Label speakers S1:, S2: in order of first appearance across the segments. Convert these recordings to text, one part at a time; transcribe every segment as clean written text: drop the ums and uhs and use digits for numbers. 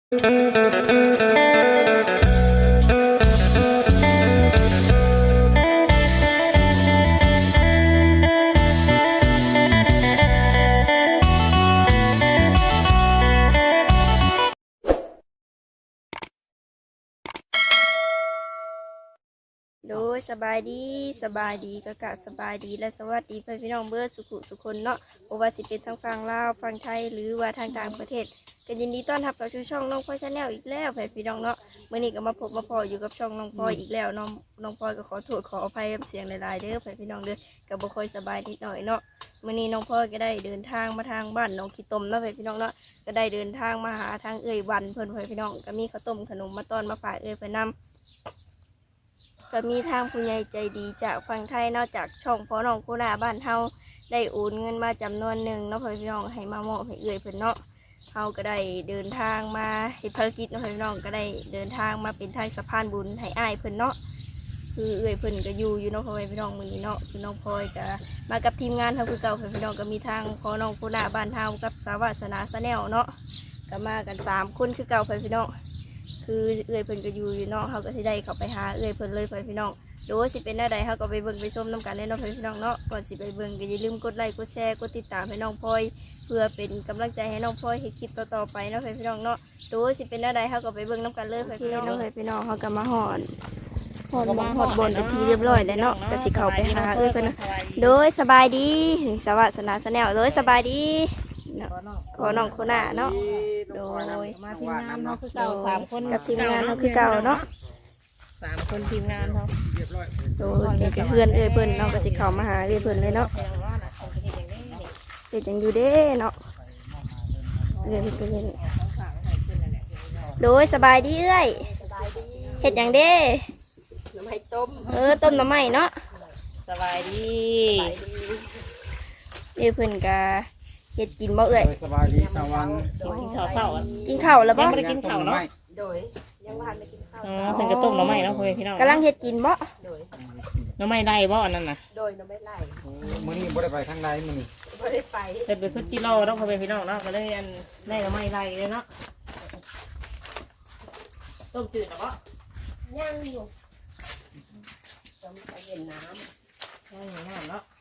S1: โดยสบายดีกะสบายดีและสวัสดีเพื่อนพี่น้องเบิร์ดสุคนเนาะบ่ว่าสิเป็นทางฝั่งลาวฝั่งไทยหรือว่าทางต่างประเทศก็ยินดีต้อนรับเข้าสู่ช่องน้องพลอยชาแนลอีกแล้วเพื่อนพี่น้องเนาะเมื่อนี้ก็มาพบมาพออยู่กับช่องน้องพลอยอีกแล้วน้องพลอยก็ขอโทษขออภัยเสียงหลายๆเด้อเพื่อนพี่น้องเด้อก็บ่ค่อยสบายนิดหน่อยเนาะเมื่อนี้น้องพลอยก็ได้เดินทางมาทางบ้านน้องขี้ตมเนาะเพื่อนพี่น้องเนาะก็ได้เดินทางมาหาทางเอ่ยวันเพื่อนพี่น้องก็มีข้าวต้มขนมมาต้อนมาฝากเอ่ยเพื่อนนำก็มีทางผู้ใหญ่ใจดีจากฝั่งไทยนอกจากช่องพ่อน้องโคนาบ้านเฮาได้โอนเงินมาจำนวนหนึ่งเนาะพี่น้องให้มามอบให้เอื้อยเพิ่นเนาะเฮาก็ได้เดินทางมาเฮ็ดภารกิจเนาะพี่น้องก็ได้เดินทางมาเป็นทางสะพานบุญให้อ้ายเพิ่นเนาะคือเอื้อยเพิ่นก็อยู่เนาะพี่น้องมื้อนี้เนาะคือน้องพลอยก็มากับทีมงานเฮาคือเก่าพี่น้องก็มีทางพ่อน้องโคนาบ้านเฮากับสาวาสนาชาแนลเนาะก็มากัน3คนคือเก่าพี่น้องคือเอื้อยเพิ่นก็อยู่เนาะเขาก็สิได้เข้าไปหาเอื้อยเพิ่นเลยพี่น้องโดยสิเป็นหน้าใดเขาก็ไปเบิ่งไปชมน้ำกันเลยเนาะพี่น้องเนาะก่อนสิไปเบิ่งก็อย่าลืมกดไลค์กดแชร์กดติดตามให้น้องพลอยเพื่อเป็นกำลังใจให้น้องพลอยให้คลิปต่อๆไปเนาะพี่น้องเนาะโดยสิเป็นหน้าใดเขาก็ไปเบิ่งน้ำกันเลยพี่น้องพี่น้องเขาก็มาหอดบนเป็นทีเรียบร้อยแล้วเนาะก็สิเข้าไปหาเอื้อยเพิ่นเนาะโดยสบายดีสวัสนาชาแนลโดยสบายดีขอน้องโคน่าเนาะโดย
S2: มาทีมงานเขาคือเก่า3 คน
S1: กับทีมงานเขาคือเก่าเนาะ
S2: 3 คนทีมงานเขา
S1: โดยเพื่อนเอ้ยเพิ่นเนาะก็สิเข้ามาหาเอ้ยเพิ่นเลยเนาะเฮ็ดจังอยู่เด้เนาะเอ้ยเพิ่นโดยสบายดีเอ้ยเฮ็ดจังเด้
S2: หน่อไม้ต้ม
S1: ต้มหน่อไม้เนาะ
S2: สบายดี
S1: เอ้ยเพิ่นก็เฮ็ดกินบ่เอ้ย
S3: สบายดีตะวัน
S2: กินข้าวเช้า
S1: กินข้าวแล้วบ่
S2: ยังไม่ได้กินข้าวเนาะ
S1: โดยยังบ่ทันได้กินข้าว
S2: เพิ่นก็ต้มหน่อไม้เนาะพี่น้อง
S1: กำลังเฮ็ดกินบ่
S2: โดยหน่อไม้ไร่บ่อันนั้นน่ะ
S1: โดยหน่อไม้ไร่
S3: มื้อนี้บ่ได้ไปทางใดมื้อนี้
S1: บ่ได้ไป
S2: เฮ็ดเป็นพุจิโร่เนาะพี่น้องเนาะก็เลยอันได้หน่อไม้ไร่เลยเนาะต้มจืดเนาะบ่
S1: ย่างอยู่
S2: ต้มไปเย็นน้ำย่างน้ำเนาะ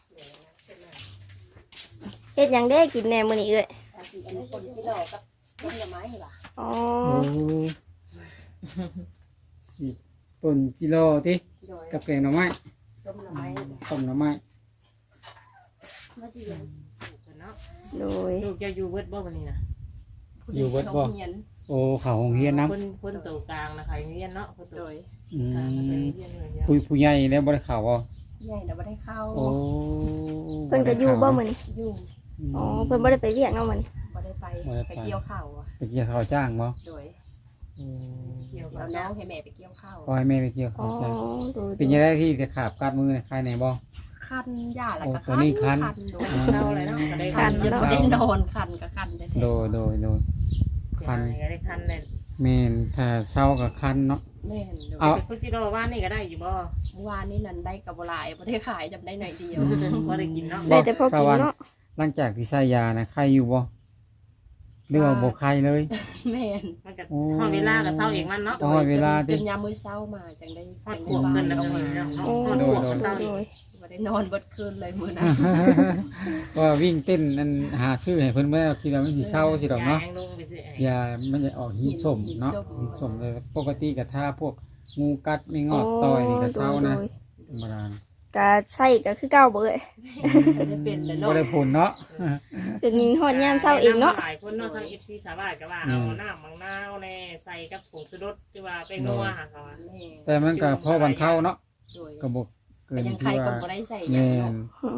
S1: เฮ็ดหยังเด้กินแหน่มื้อนี้เอ้ย
S2: คนจิโร่กับต้มหน่อไม้ล่ะ
S1: อ๋อ
S3: สิป่นจิโร่ติกับแกงหน่อไม้
S2: ต้มหน่อไม้
S3: ต้มหน่อไม้
S2: มาจีเย็นเนาะ
S1: โดย
S2: ลูกจะอยู่เบิดบ่วันนี้นะ
S3: อยู่เบิดบ่โอ้เขาโรงเรียนนำ
S2: คนตัวกลางนะใครเรียนเนาะคนตัว
S3: ผู้ใหญ่แล้วบ่ได้เข้าบ่
S2: ใหญ่น่ะบ่ได้เข้า
S3: โอ้
S1: เพิ่นก็อยู่บ่มื้อนี้
S2: อยู่
S1: อ๋อเพิ่นบ่ได้ไปเวียกเนาะมื้อนี้
S2: บ่ได้ไปเกี่ยวข้าวอ่ะ
S3: ไปเกี่ยวข้าวจ้างบ่
S2: โดยเกี่ยวข้าวน้องให้แม่ไปเกี่ยวข้าว
S3: ขอให้แม่ไปเกี่ยวข้าวจ้างเป็นยังไงที่จะขาบกัดมือใครไหนบ่
S2: คันยาแล้วก็
S3: คัน
S2: เศร้าเลยเนาะก็ได้คันจนบ่ได้นอนคันก็คันแท้
S3: ๆโดย
S2: คันก็ได้คันเลย
S3: แม่นถ้าเศร้าก็คันเนาะ
S2: แม่นเอาพุจิโร่ว่านนี่ก็ได้อยู่บ่วานนี่นั่นได้กับบ่หลายบ่ได้ขายจำได้หน่อยเดียวบ่ได้กินเนาะ
S1: ได้แต่พอกินเนาะ
S3: หลังจากที่ใส่ยานะไข้อยู่บ่หรือว่าบ่ไข้เลย
S2: แม่นมันก็พอเวลาก็เศร้าเองมันเนาะ
S3: พอเวลา
S2: จนยามมื้อเช้ามาจังได้ฮอดพวกเพิ่นแล้วก็มีเนาะฮอดพวกเช้าอีกบ่ได้นอนเบิดคืนเลยมื้อนั้น
S3: ว่าวิ่งเต้นนั่นหาซื้อให้เพิ่นบ่ได้คิดว่ามันสิเศร้าสิดอกเนาะยามันจะออกหินส้มเนาะหินส้มเลยปกติก็ถ้าพวกงูกัดไม่งอดต่อยนี่ก็เศร้านะธรรมดา
S1: ก็ใช่ก็คือเก่าเบ้ย
S2: ได้เป็นแล้วเนาะ
S3: บ่ได้ผลเนาะ
S1: เป็นฮอดยามเช้าเองเนาะ
S2: หลายคนเนาะทาง FC สาวาก็ว่าเอาน้ำมังนาวแน่ใส่กับผงชูรสที่ว่าไปนัวหาเขา
S3: แต่มันก็พอบรรเทาเนาะก็บ่เกินที่ว่า
S2: บ่ได้ใส่หยังเนาะ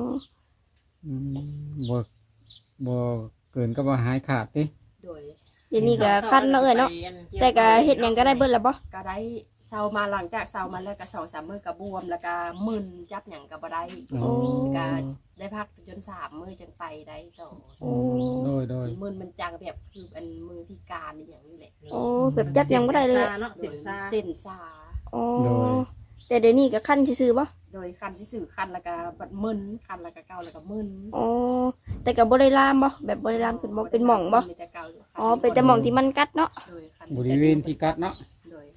S3: บ่เกินก็บ่หายขาดติ
S2: โดย
S1: เดี๋ยวนี้ก็คันเนาะเอ้ยเนาะแต่ก็เฮ็ดหยังก็ได้เบิดแล้วบ่
S2: ก็ได้เซามาหลังจากเซามาแล้วก็2-3 มื้อก็บวมแล้วก็มึนจับหยังก็บ่ได้ก็ได้พักจน3 มื้อจังไปได้ต่อ
S3: โดย
S2: มึนมันจังแบบคืออันมือพิการอย่างนี้แหละ
S1: โอ้แบบจับหยังบ่ได้เลย
S2: เส้นซา
S1: อ๋อแต่เดี๋ยวนี้ก็คันซื่อๆบ่
S2: โดยคันที่สื่อคันแล้วก็บัดมึนคันแล้วก็เก่าแล้วก็มึน
S1: อ๋อแต่ก็บ่ได้ลามบ่แบบบ่ได้ลามขึ้นบ่เป็นหม่องบ่
S2: มีแต่เก่าอยู่คั
S1: อ๋อเป็นแต่หม่องที่มันกัดเนาะ
S2: โดยคัน
S3: บริเวณที่กัดเนาะ
S2: โดย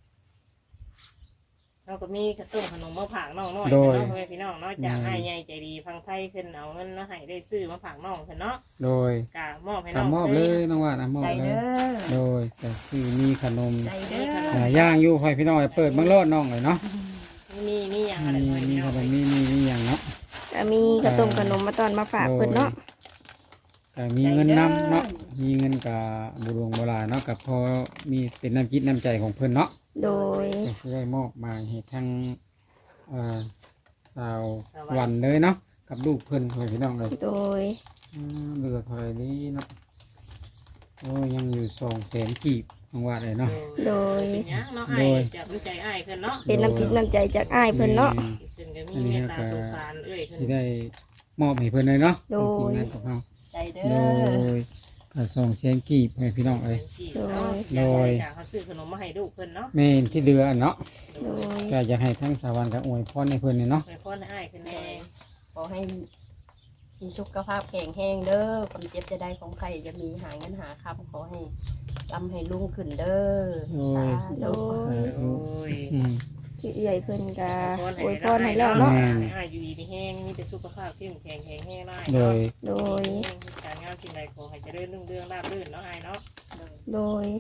S4: เราก็มีกระตุ้นขนมมาผากน้องน้อย
S3: โดย
S4: เนาะเพื่อนพี่น้องเนาะจากให้ใหญ่ใจดีพังไทยขึ้นเอาเงินแล้วให้ได้ซื้อมาผากน้องเพิ่นเนาะ
S3: โดย
S4: กะมอบให้
S3: ก็
S4: น้อง
S3: มอบเลยน้องว่านะมอบ
S2: ใจ
S3: เล
S2: เด้
S3: ย
S2: อ
S3: โดยก็คือมีขนม
S2: ใจเด้อ
S3: ย่างอยู่ให้พี่น้องเปิดเบิ่งรอดน้องเลยเนาะ
S4: มีอย่างอะไร
S3: มี
S4: เพื่อน
S3: มี
S4: พี่
S3: ข
S4: น้อง
S3: นมมีอย่างเนาะ
S1: ก็มีกระต้มขนมมาตอนมาฝากเพิ่นเนาะ
S3: ก็มีเงินนำเนาะมีเงินกับบุรวงโบราณเนาะกับพอมีเป็นน้ำจิตน้ำใจของเพิ่นเนาะ
S1: โดย
S3: ก็สิได้มอบมาให้ทั้งสาววันเลยเนาะกับลูกเพิ่นให้พี่น้องเลย
S1: โดย
S3: เหลือเท่าไหร่นี้เนาะโอ้ยังอยู่200,000กีบน้องว่าเลยเนาะ
S1: โดย
S4: เป็นหยังเนาะอ้ายจับใจอ้ายขึ้นเนาะ
S1: เป็นน้ำจิตน้ำใจจากอ้ายเพิ่นเนาะ
S4: ขึ้นก็มีเมตตาสงสารเอ้ยขึ้
S3: สิ
S4: น
S3: ได้มอบให้เพิ่นเลยเนาะ
S1: โดย
S3: ทีมงานของเรา
S2: ใจเด้
S3: โด
S2: อย
S3: ก็200,000กีบให้พี่น้องเลย
S4: โดยจากเขาซื้อขนมมาให้ลูกเพิ่นเนาะ
S3: แม่นที่เดือเนาะ
S1: โดย
S3: ก็อยากให้ทั้งสาวันกับอวยพรให้เพิ่นเนี่ยเนาะ
S4: ให้พ่อให้อ้ายขึ้นแน่
S2: ขอให้มีสุขภาพแข็งแรงเด้อความเจ็บจะได้ของใครจะมีหาเงินหาคำขอให้ร่ำให้รุ่งขึ้นเด้อสา
S1: โด
S2: ธุ
S1: ย
S4: โอ้ย
S3: อืม
S1: ที่ใหญ่เพิ่นก็อวยพรให้แล้ว
S3: แม่
S1: เนาะ
S4: อ้ายอยู่ดีมีแห้งมีแต่สุขภาพเข้มแข็งแข็งแรงได้
S3: โดย
S1: โดย
S4: การงานสิ่งใดขอให้เจริญรุ่งเรืองราบรื่นเนาะอ้ายเนาะ
S1: โดย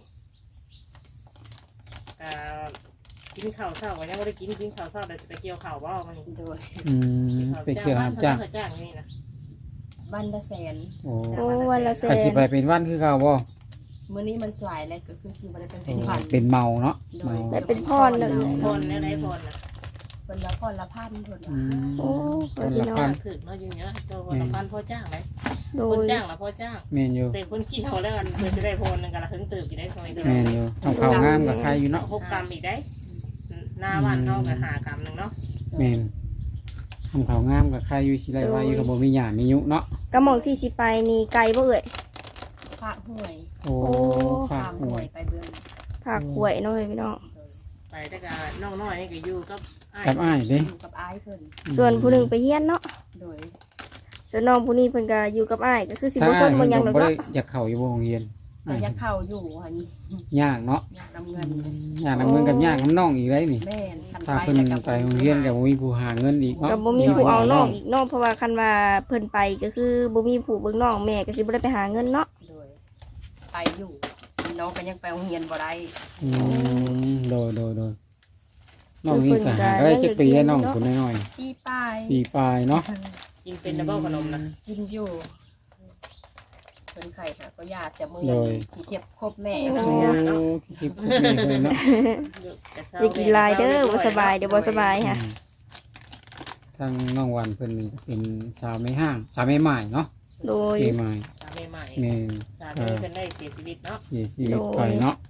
S4: กินข้าวเช้าวันนี้ไม่ได้กินข้าวเช้าแต่จะไปเกี่ยวข้าวบ่มัน
S2: โดย
S3: อืมไปเกี่ยวหามจ้าง
S4: จ้างนี่นะ
S2: บ้านละแสน
S3: โอ้
S1: โอ้วันละแส
S3: ก็สิ
S1: น
S3: ไปเป็นวันคือเก่าบ่
S2: มื้อนี้มันสวยแล้วก็คือสิบ่ได้เป็น
S3: โอ้
S2: พัน
S3: เป็นเมาเนาะเมา
S1: แบบเป็นพรเลย
S4: พรเนี่ยได้พรนะ
S2: คนละพรละพันเพิ่น
S3: อื
S2: ว่าม
S1: โอ้
S3: คน
S1: พี่
S3: ละ
S1: น้อ
S3: พั
S1: ง
S3: น
S4: ถึกเนาะอยู่เนี้ยเจ้าวันละพันพ่อจ้างไหม
S1: โด
S4: คน
S1: ย
S4: จ้างละพ่อจ้าง
S3: แม่นอยู่
S4: แต่คนเกี่ยวแล้วกันเพื่อจะได้พรนึงกันละถึงตื่นอยู่ได้คอยเดียว
S3: แม่นอยู่ต้องเข้างามกับใครอยู่เนาะ
S4: 6 กรัมอีกได้หน้าวันเท่ากับ5 กรัมนึงเนาะ
S3: แม่นทำเข้างามกับใครอยู่สิได้ว่าอยู่กับบ่มีหยามียุเนาะ
S1: กระหม่องที่สิไปนี่ไกลบ่เอ่ย
S2: พระห้วย
S3: โอ้ฝาก
S2: ข้าม
S3: ห
S2: ห้
S3: ว
S2: วย ยไปเบิ่ง
S1: ภาคหวยเนาะพี่น้อง
S4: ไปแต่ก็น้องน้อยนี่ก็อยู่กับอ้าย
S3: กับอ้ายเด้
S2: อยู่กับอ้ายเพิ่น
S1: ส่วนผู้หนึงไปเฮียนเนาะ
S2: โดย
S1: ส่วนน้องผู้นี้เพิ่นก็อยู่กับอ้ายก็คือสิ
S3: ถ้า
S1: บ่ซ
S3: อ้าย
S1: นบ่หยัง
S3: เพิ่น
S1: ดอก
S3: บ่ได้
S1: เนาะ
S3: อยากเข้าอยู่บ่โรงเรียน
S2: ก็ยังเข้าอยู่หั่น
S3: ยากเนาะ
S2: อยากนำเงิน
S3: ยากนำเงินกับยากน้ำน้องอีกได้นี่
S2: แม่นคัน
S3: ถ้า
S2: ไป
S3: เพิ่น
S2: แล้วก็
S3: ไปโรงเรียนก็บ่มีผู้หาเงินอีกเนาะ
S1: ก็บ่มีผู้เอาน้องอีกเนาะเพราะว่าคันว่าเพิ่นไปก็คือบ่มีผู้เบิ่งน้องแม่ก็สิบ่ได้ไปหาเงินเนาะ
S2: โดยไปอยู่น้องก็ยังไปโรงเรียนบ่ได้
S3: อืมโดยน้องนี่ก็หาได้จักปีแล้วน้องคนน้อย
S2: ที่ป้าย
S3: ๆปีปลายเนาะ
S4: กินเป็นดับเบิลขนมนะ
S2: กินอยู่เป็นไข่ค่ะก็ญาติจะมือที่เทียบครบแม่
S3: โอ้คลิปคุยเลยเนาะ
S1: อย่ากินหลายเด้อบ่สบายเดี๋ยวบ่สบายค่ะ
S3: ทางน้องวันเพิ่นเป็นสาวไม่ห้างสาวไม่ใหม่เนาะ
S1: โดย
S3: ไม่ใหม่
S4: สามีใหม่
S3: แม่น
S4: สามีเพิ่นได้เสียชีวิตเนาะ
S3: เสียชีวิตไปเนาะ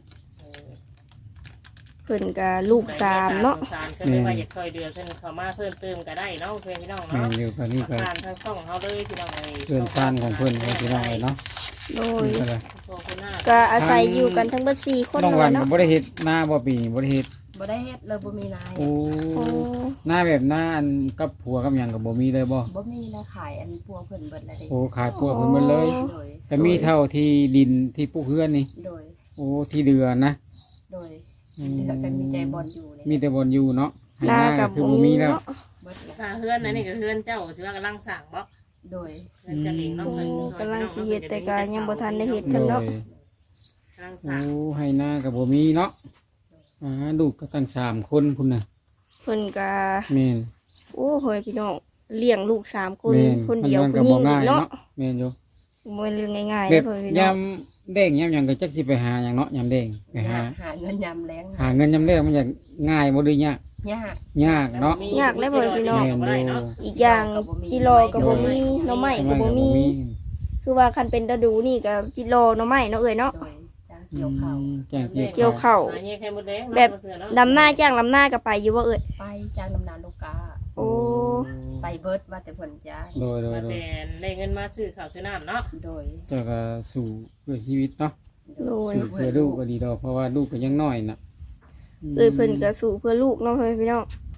S1: เพิ่นก็ลูกสามเนาะ
S4: สารเพิ่นไม่ว่าอยากช่วยเดือเพิ่นเข้ามาเพิ่มเติมก็ได้เนาะเพื่อนพี่น้อง
S3: แม่
S4: เนาะ
S3: นอยู่ก็นี่ก็
S4: ผ่านทางช่องเฮาเลยพี่น้องเอ้ย
S3: เพื่อนซ่านของเพิ่นให้พี่น้องเลยเนาะ
S1: โดย
S3: นี่ก็เลย
S4: ขอบคุณหน้า
S1: ก็อาศัยอยู่กันทั้งเบิด4คน
S3: น้อง
S1: เล
S3: วัน
S1: ย
S3: ก็
S1: เนาะ
S3: บ่ได้เฮ็ดหน้าบ่ปีนี้บ่ได้เฮ็ด
S2: บ่ได้เฮ็ดเลยบ่มีนาย
S3: โอ้
S1: โอ้
S3: หน้าแบบหน้าอันกับผัวกับหยังก็บ่มีเลยบ่
S2: บ่มีนะขายอันปัวเพิ่นเบิดแล้วเด้
S3: โอ้ขายผัวเพิ่นหมดเลย
S2: โดย
S3: แต่มีเท่าที่ดินที่ปลูกเฮือนนี่
S2: โดย
S3: โอ้ที่เดือนนะ
S2: โดยเดือกันมีใจบอลอยู่เลย
S3: มีแต่บนอยู่เนาะให้
S1: หน้า
S3: หน้า
S1: กั
S3: ก็
S1: บ
S3: คือ
S1: บ่
S3: บ่
S1: มี
S3: มีแล้ว
S1: เนาะ
S2: เบิดแล้ว
S4: ถ้าเฮือนนั่นนี่ก็เฮือนเจ้าสิว่ากำลังสร้างบ่
S2: โดย
S4: เฮือนเจะเองเนาะ
S1: โอ้
S4: เพิ่น
S1: กำลังสิเฮ็ดแต่ก็ยังบ่ทันได้เฮ็ด
S3: โด
S1: กันเนาะ
S3: ย
S4: กำลังส
S3: โอ้
S4: ร้าง
S3: ให้หน้าก็บ่มีเนาะลูกก็ตั้ง3คนพุ่นน่ะ
S1: เพิ่นก็
S3: แม่น
S1: โอ้โหยพี่น้องเลี้ยงลูก3คน
S3: แม่น
S1: คนเดียว
S3: มันก็
S1: ผู้หญิ
S3: บ่
S1: งอี
S3: ง่าย
S1: กเนาะ
S3: เนาะแม่นอยู่
S1: บ่เป็นเรื่องง่ายๆ
S3: แบ
S1: เด้
S3: บ
S1: อพ่อพี่
S3: ยา
S1: น้อง
S3: มแดงยามหยังก็จักสิไปหาหยังเนาะยามแดงไปหา
S2: หาเงินยำแรง
S3: หาเงินยามแดงมันจะง่ายบ่หรือยาก
S2: ยาก
S3: ยากเนาะ
S1: ยากเลยพ่อพี่น้อง
S3: แม่น
S4: บ่
S3: อ
S4: ได้
S3: ยู่
S4: เนาะ
S1: อีกอย่างจิโรก็บ่มีหน่อไม้ก็บ่มี คือว่าคันเป็นฤดูนี่ก็จิโรหน่อไม้เนาะเอ้ยเนาะ
S2: โดยจ้างเกี่ยวข้าว
S3: จ้างเกี่ยว
S1: เกี่ยวข้าว
S4: หาเงี้ยแค่หมดแดง
S1: แบบ ดำหน้าจ้างลำหน้าก็ไปอยู่ว่าเอ้ย
S2: ไปจ้างนำนานลูกกา
S1: โอ้
S2: ไปเบิดว่าแต่เพิ่นจ้าง
S3: โดย
S4: มาแต่ได้เงินมาซื้อข้าวซื้อน้ำเนาะ
S2: โดย
S3: เจ้าก็สู่เพื่อชีวิตเนาะ
S1: โดย
S3: สู่เพื่อลูกก็ดีดอกเพราะว่าลูกก็ยังน้อยน่ะ
S1: เอ้ยเพิ่นก็สู้เพื่อลูกเนาะพ่อพี่น้อง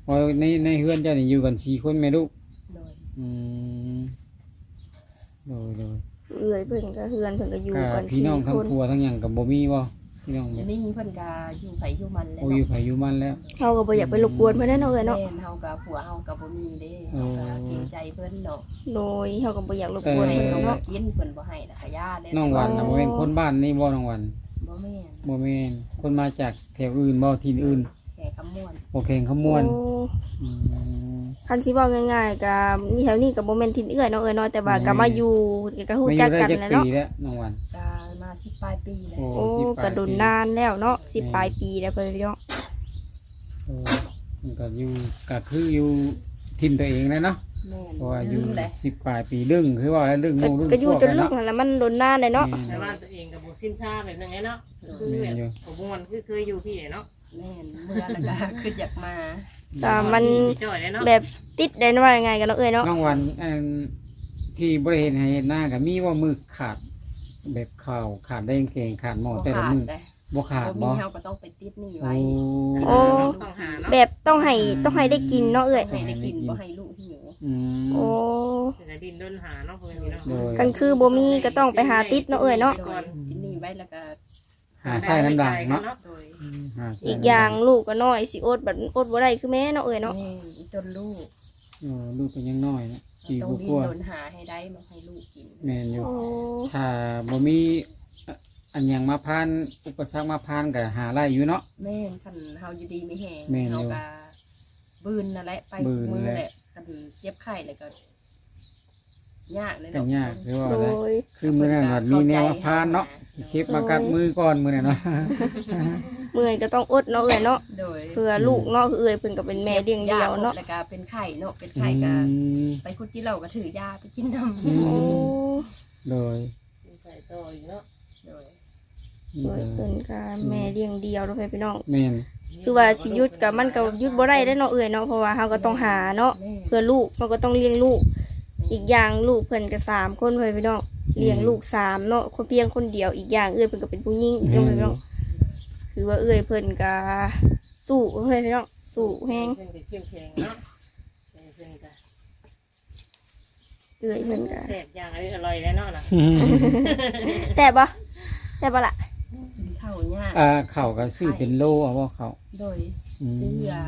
S3: พอในเฮือนเจ้านี่อยู่กัน4คนแม่ลูก
S2: โดย
S3: อืมโดย
S1: เอื้อยเพิ่นก็เฮือนเพิ่นก็อยู่
S3: ก็
S1: กัน
S3: พี่น้องทั้ง
S1: 4คน
S3: ครัวทั้งหยังก็บ่มีบ่พี่น้องแบบ
S2: มีเพิ่นก็อยู่ไผอยู่มันแล้ว
S3: โอ้อยู่ไผอยู่มันแล้ว
S1: เฮาก็บ่อยากไปรบกวนเพิ่นเนาะเอ้ยเนาะ
S2: แม่นเฮากับผัวเฮากับบ่มีเด้เฮาก็เกรงใจเพิ่นเนาะ
S1: โดยเฮาก็บ่อยากรบกวน
S2: เพิ่
S1: เพิ่
S2: น
S1: น
S2: ก็บ่
S1: เนาะ
S2: กินเพิ่นบ่ให้น่ะขยาเด้
S3: น้องวันน่ะบ่แม่นคนบ้านนี่บ่น้องวัน
S2: บ่แม่น
S3: บ่แม่นคนมาจากแถวอื่นบ่ถิ่นอื่น
S2: แก่คำม่วน
S3: โอเคขมวน
S1: โอ้
S3: อืม
S1: คันสิเว้าง่ายๆก็มีแถวนี้ก็บ่แม่นทินเอื้อยเนาะเอ้ยเนาะแต่ว่าก็มาอยู่ก็ฮู้
S3: ไม่อ
S1: จั
S3: ยู่
S1: ก
S3: ได้
S1: กัน
S3: จัก
S1: แหล้ว
S3: ปี
S1: เนาะ
S3: แล้วน้องวัน
S2: ก็มา10ปลายปีแล้ว
S3: โอ้
S1: โอ้
S3: 10
S1: กระโดนนานแล้วเนาะ10ปลายปีแล้วเพิ่นเนาะ
S3: โอ้มันก็อยู่ก็คืออยู่ถิ่นตัวเองแล้วเนาะ
S2: แม่น
S3: เพราะว่าอยู่
S2: แหละ
S3: 10ปลายปีดึงคือว่าดึง
S1: ก็
S3: ลูกดึง
S1: ก็อยู่
S3: พว
S1: จน
S3: แล้
S1: ลู
S3: ว
S1: กนั่นแหละมันโดนนานเลยเนาะ
S4: แต่ว่าตัวเองกับบ่สิ้นชาแบบนึงไงเนาะคือแบบบ่ม่วนคือเคยอยู่พี่เนาะ
S2: แม่นเมื่อแล้วก็คืออยากมา
S1: แต่มัน
S4: จ่อยเลยเนาะ
S1: แบบติดได้ว่ายังไงกันเนาะเอ้ยเนาะ
S3: น้องวันอันที่บริเห็นให้เห็นหน้ากับมีว่ามือขาดแบบข่าวขาดได้เก่งขาดหมอแต่ละมือ
S2: ได้
S3: บ่ขาด
S2: บ่
S3: บ่
S2: มีเฮาก็ต้องไปติดหนี้
S3: โอ้
S2: ไว้
S1: โอ้
S4: ต้องหาเนาะ
S1: แบบต้องให้ได้กินเนาะเอ้ย
S2: ให้ได้กินบ่ให้ลูกหิว
S3: อืม
S1: โอ้
S4: แต่ดินด้นหาเนาะเพิ่นมีเนาะ
S3: โดย
S1: กันคือบ่มีก็ต้องไปหาติดเนาะเอ้ยเนาะ
S2: โดยติดหนี้ไว้แล้วก็
S3: หาไส้น้ำด่างเนาะ
S2: โดย
S3: หาไส้
S1: อีกอย่างลูกก็น้อยสิอดบัดอดบ่ได้คือแม่เนาะเอ้ยเนาะ
S2: แม่อีต้นลูก
S3: ลูกเป็นยังน้อยนะปี
S2: ต้อง
S3: กว่า
S2: ดิ้นรนหาให้ได้มาให้ลูกกิน
S3: ๆแม่นอยู่
S1: โอ้
S3: ถ้าบ่มีอันหยังมาพานอุปสรรคมาพานก็หาไล่อยู่เนาะ
S2: แม่นคันเฮาอยู่ดีไม่แห้ง
S3: แม่นอยู่
S2: เฮาก็บืนนั่นแหละไป
S3: บืน
S2: มือ
S3: แหละ
S2: แหละคันเจ็บไข้แล้วก็ยากเลย
S3: ก็
S2: เนาะ
S3: ยากคือว่า
S1: โด
S3: อะไร
S1: ย
S3: คือมื้อนั้นว่ามีแนวมาพานเนาะเข็บมากัดมือก่อนมื้อนั้นเนาะ
S1: เมื่อยก็ต้องอดเนาะเอ้ยเนาะ
S2: โดย
S1: เพื่อลูกเนาะคือเอ้ยเพิ่นก็เป็นแม่เลี้ยงเดียวเนาะ
S2: แล้วก็เป็นไข้เนาะเป็นไข้ก็ไปคุดที่เราก็ถือยาไปกินน้ำ
S3: อืม
S1: โอ้
S3: โดย
S4: ใส่ต่ออีกเนาะ
S2: โดย
S1: เอ้ยเพิ่นก็แม่เลี้ยงเดียวเนาะพี่น้อง
S3: แม่น
S1: คือว่าสิหยุดกับมันก็หยุดบ่ได้เด้อเนาะเอ้ยเนาะเพราะว่าเฮาก็ต้องหาเนาะ
S2: แม่
S1: เพื่อลูกเราก็ต้องเลี้ยงลูก อีกอย่างลูกเพิ่นก็3คนเพิ่นพี่น้องเลี้ยงลูก3เนาะคนเพียงคนเดียวอีกอย่างเอ้ยเพิ่นก็เป็นผู้หญิงอีก
S3: แม่
S1: เนาะ
S3: น
S1: พี่น้องคือว่าเอ้ยเพิ่นก็สู้เพิ่นพี่น้องสู้แฮง
S4: เพิ่นก็เข้มแข็งเนาะเพิ่นก็
S1: เอ้ยเพิ่นก็
S4: แซ่บอย่างอร่อยแล้วเนาะน่ะ
S1: แซ่บบ่แซ่บบ่ล่ะ
S2: กินข้าวยาก
S3: เขาก็ซื้อเป็นโลเอาว่าเขา
S2: โดย
S3: อืม
S2: เสื้อ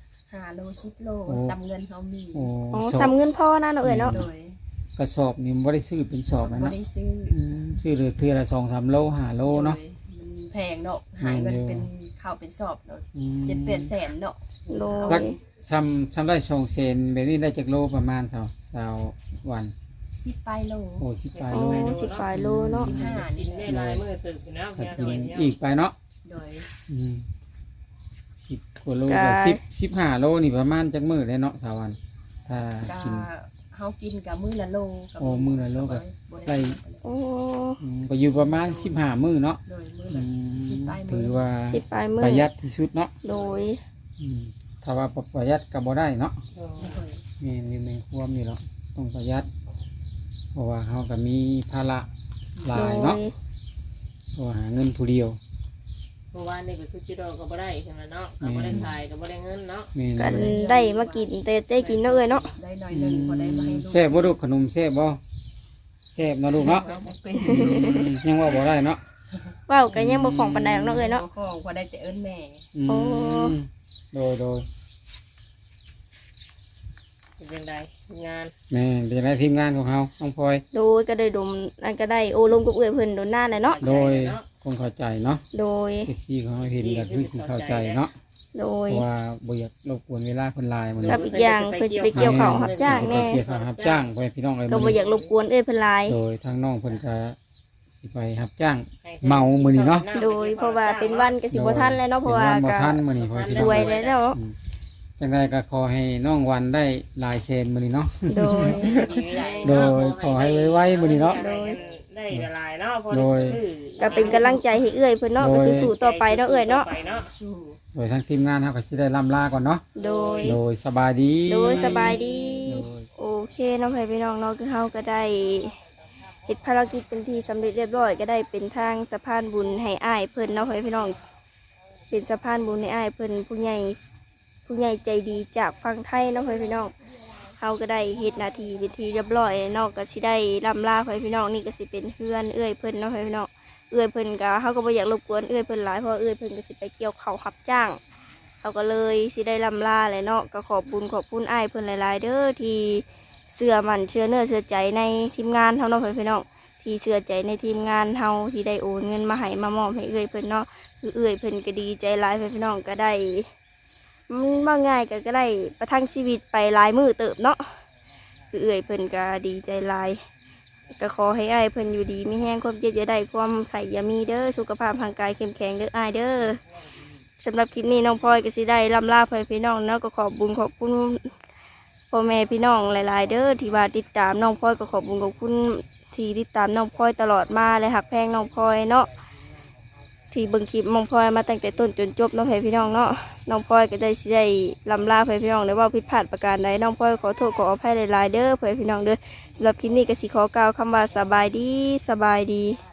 S2: 5 โล 10 โล
S3: โอ้
S2: ซ้ำเงินเฮามี
S3: โอ้
S1: อ๋อ
S3: สอบ
S1: ซ้ำเงินพ่อนะเนาะเอ้ยเนาะ
S2: โดย
S3: กระสอบนี่บ่ได้ซื้อเป็นสอบนะ
S2: บ่
S3: เนาะ
S2: ได้ซื้อ
S3: ซื้อเลยเทื่อละ2-3 โล5 โลเนาะ
S2: โดยมันแพงเนาะหาเงินเป็นข้าวเป็นสอบเนาะ
S3: อืม
S2: 7-8 แสนเนาะ
S1: โด
S3: รั
S1: ย
S3: กซ้ำได้2เซนแบบนี้ได้จักโลประมาณ20วัน
S2: 10ปลายโล
S3: โอ้10ปลาย
S1: โอ้
S3: โล
S1: สิบปลายโลเนาะ
S2: 15
S4: กิ
S2: นี่
S4: นได้หลายมื้อตึกอยู่นะ
S3: ก็
S4: เพียง
S3: กิ
S4: หน่อย
S3: น
S4: เดียว
S3: อีกไปเนาะ
S2: โดย
S3: อืม10กว่าโลก็15 โลนี่ประมาณจักมื้อได้เนาะสาวัน ถ้า
S2: ก็
S3: กิน
S2: เฮากินกับมื้อละโลกับ
S3: โอ้มื้อละโลก็
S2: บ่
S3: ได้
S1: โอ้
S3: ก็อยู่ประมาณ15 มื้อเนาะ
S2: โดยมื้อ
S3: อื
S2: ละ
S3: ม
S2: 10ปลายมื้อ
S3: ถือว่า
S1: สิบปลายมื้อ
S3: ประหยัดที่สุดเนาะ
S1: โดย
S3: ถ้าว่าบ่ประหยัดก็บ่ได้เนาะ
S4: โอ้
S2: โดย
S3: มีอยู่ในความนี่เนาะต้องประหยัด เพราะว่าเฮาก็มีภาระหลายเนาะเพราะว่าหาเงินผู้เดียว
S4: เมื่อวานนี่ก็คือจิโร่ก็บ่ได้ใช่ไหมเนาะก็บ่ได้ขายก็บ่ได้เงินเนาะ
S3: แม่น
S1: กันได้มากินแต่ได้กินเนาะเอ้ยเนาะ
S2: ได้หน่อยหนึงพอได้มาให้ลูก
S3: แซ่บบ่ลูกขนมแซ่บบ่แซ่บเนาะลูกเนาะ
S2: ก็บ่เป็น
S3: ยังว่าบ่ได้เนาะ
S1: เว้ากันยังบ่ของปานใดหรอกเนาะเอ้ยเนาะ
S2: ของพอได้แต่เอิ้นแม่
S3: อืม
S1: โอ้
S3: โดย
S4: เป็นไดงาน
S3: แม่นเป็นไรทีมงานของเฮาน้องพลอย
S1: โดยก็ได้ดมนั่นก็ได้โอ้ลมกับเอื้อยเพิ่นโดนหน้าเลยเนาะ
S3: โดยคงเข้าใจเนาะ
S1: โดย
S3: เอฟซีของเราเห็นก็คือสิเข้าใจเนาะ
S1: โด
S3: เพ
S1: ย
S3: ราะว่าบ่อยากรบกวนเวลาคนหลายมัน
S1: กับอีกอย่างเพิ่นสิไปเกี่ยวข้าวรับจ้างแน่
S3: เกี่ยวกับรับจ้างไปพี่น้องเอ้ย
S1: ก็บ่อยากรบกวนเอื้อยเพิ่นหลาย
S3: โดยทางน้องเพิ่นก็สิไปรับจ้าง เมามื้อนี้เนาะ
S1: โดยเพราะว่าเป็นวันก็สิบ่ทันแล้วเนาะเพราะว่า
S3: เป็นนบ่
S1: ก็
S3: ทันมื้อนี้เพราะ
S1: สวยแล้ว
S3: อืมจังไดก็ขอให้น้องวันได้หลายเซนมื้อนี้เนาะ
S1: โดย
S3: โดยขอให้ไวๆมื้อนี้เนาะ
S4: ได้ละลายเนาะพอ
S3: โด
S4: ได้
S3: ย
S4: ซื้อ
S1: ก็เป็นกำลังใจให้เอื้อยเพิ่นเนาะก็สู้ๆต่อไปเนาะเอื้อยเนาะ
S4: ไปเนาะ
S2: สู้
S3: โดยทางทีมงานเฮาก็สิได้ล่ำลาก่อนเนาะ
S1: โดย
S3: โดยสบายดี
S1: โดยสบายดี
S3: โดย
S1: โอเคเนาะพี่น้องเนาะคือเฮาก็ได้เฮ็ดภารกิจเป็นที่สำเร็จเรียบร้อยก็ได้เป็นทางสะพานบุญให้อ้ายเพิ่นเนาะพี่น้องเป็นสะพานบุญให้อ้ายเพิ่นผู้ใหญ่ผู้ใหญ่ใจดีจากฝั่งไทยเนาะพี่น้องเฮาก็ได้เฮ็ดหน้าที่เป็นที่เรียบร้อยเนาะก็สิได้ล่ำลาพี่น้องนี่ก็สิเป็นเพื่อนเอื้อยเพิ่นเนาะพี่น้องเอื้อยเพิ่นก็เฮาก็บ่อยากรบกวนเอื้อยเพิ่นหลายเพราะเอื้อยเพิ่นก็สิไปเกี่ยวข้าวรับจ้างเขาก็เลยสิได้ล่ำลาเลยเนาะก็ขอบคุณอ้ายเพิ่นหลายๆเด้อที่เชื่อมั่นเชื่อเนื้อเชื่อใจในทีมงานเฮาเนาะพี่น้องที่เชื่อใจในทีมงานเฮาที่ได้โอนเงินมาให้มามอบให้เอื้อยเพิ่นเนาะคือเอื้อยเพิ่นก็ดีใจหลายพี่น้องก็ได้ว่าง่ายก็ได้ประทังชีวิตไปหลายมื้อเติบเนาะคือเอื้อยเพิ่นก็ดีใจหลายก็ขอให้อ้ายเพิ่นอยู่ดีมีแห้งความเจ็บอย่าได้ความไข่อย่ามีเด้อสุขภาพร่างกายเข้มแข็งเด้ออ้ายเด้อสำหรับคลิปนี้น้องพลอยก็สิได้ล่ำลาพี่น้องเนาะก็ขอบคุณพ่อแม่พี่น้องหลายๆเด้อที่ว่าติดตามน้องพลอยก็ขอบคุณที่ติดตามน้องพลอยตลอดมาและหักแพงน้องพลอยเนาะที่เบิ่งคลิปน้องพลอยมาตั้งแต่ต้นจนจบน้องพี่น้องเนาะน้องพลอยก็ได้สิได้ล่ำลาพี่น้องได้ว่าผิดพลาดประการใดน้องพลอยขอโทษขออภัยหลายๆเด้อพี่น้องเด้อสำหรับคลิปนี้ก็สิขอกล่าวคำว่าสบายดี